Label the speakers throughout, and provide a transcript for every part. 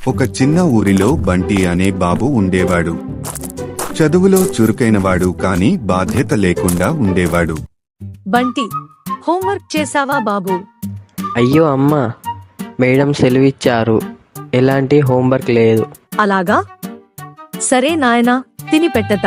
Speaker 1: ఒక చిన్న ఊరిలో బంటి అనే బాబు ఉండేవాడు. చదువులో చురుకైనవాడు కాని బాధ్యత లేకుండా ఉండేవాడు.
Speaker 2: బంటి, హోంవర్క్ చేసావా బాబూ?
Speaker 3: అయ్యో అమ్మా, మేడం సెలవిచ్చారు. ఎలాంటి హోంవర్క్ లేదు.
Speaker 2: అలాగా? సరే నాయనా, తిని పెట్టతా.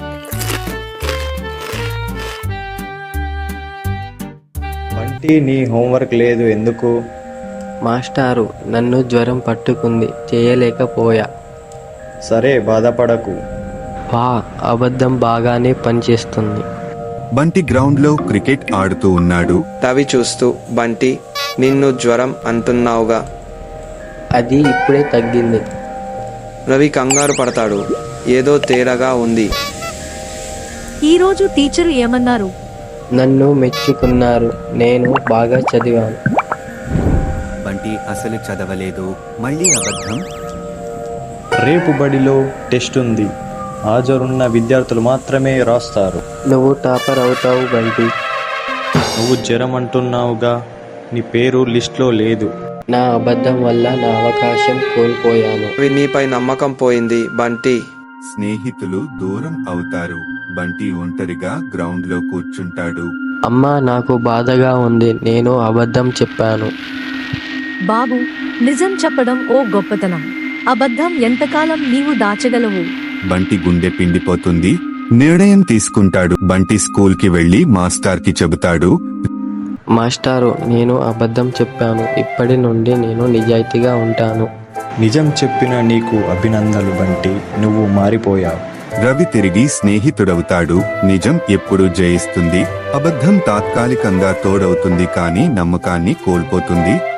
Speaker 4: బంటి, నీ హోంవర్క్ లేదు ఎందుకు?
Speaker 3: మాస్టారు, నన్ను జ్వరం పట్టుకుంది, చేయలేకపోయా.
Speaker 4: సరే, బాధపడకు.
Speaker 3: వా, అబద్ధం బాగానే పనిచేస్తుంది.
Speaker 1: బంటి గ్రౌండ్లో క్రికెట్ ఆడుతూ ఉన్నాడు.
Speaker 5: రవి చూస్తూ, బంటి, నిన్ను జ్వరం అంటున్నావుగా.
Speaker 3: అది ఇప్పుడే తగ్గింది.
Speaker 5: రవి కంగారు పడతాడు. ఏదో తేడాగా ఉంది.
Speaker 2: ఈరోజు టీచరు ఏమన్నారు?
Speaker 3: నన్ను మెచ్చుకున్నారు. నేను బాగా చదివాను.
Speaker 1: బంటి అసలు చదవలేదు. మళ్ళీ అబద్ధం.
Speaker 4: రేపు బడిలో టెస్ట్ ఉంది. హాజరున్న విద్యార్థులు మాత్రమే రాస్తారు.
Speaker 3: నువ్వు టాపర్ అవుతావు బంటి.
Speaker 4: నువ్వు జ్వరం అంటున్నావుగా, నీ పేరు లిస్ట్లో లేదు.
Speaker 3: నా అబద్ధం వల్ల నా అవకాశం కోల్పోయాను.
Speaker 5: రవి నీపై నమ్మకం పోయింది. బంటి,
Speaker 1: స్నేహితులు దూరం అవుతారు. బంటి ఒంటరిగా గ్రౌండ్లో కూర్చుంటాడు.
Speaker 3: అమ్మా, నాకు బాధగా ఉంది. నేను అబద్ధం చెప్పాను.
Speaker 2: బాబు, నిజం చెప్పడం ఓ గొప్పతనం. అబద్ధం ఎంతకాలం నీవు దాచగలవు?
Speaker 1: బంటి గుండె పిండిపోతుంది. నిర్ణయం తీసుకుంటాడు. బంటి స్కూల్కి వెళ్లి మాస్టర్కి చెబుతాడు.
Speaker 3: మాస్టారు, నేను అబద్ధం చెప్పాను. ఇప్పటి నుండి నేను నిజాయితీగా ఉంటాను.
Speaker 4: నిజం చెప్పిన నీకు అభినందనలు బంటి, నువ్వు మారిపోయావు.
Speaker 1: రవి తిరిగి స్నేహితుడవుతాడు. నిజం ఎప్పుడు జయిస్తుంది. అబద్ధం తాత్కాలికంగా తోడవుతుంది, కానీ నమ్మకాన్ని కోల్పోతుంది.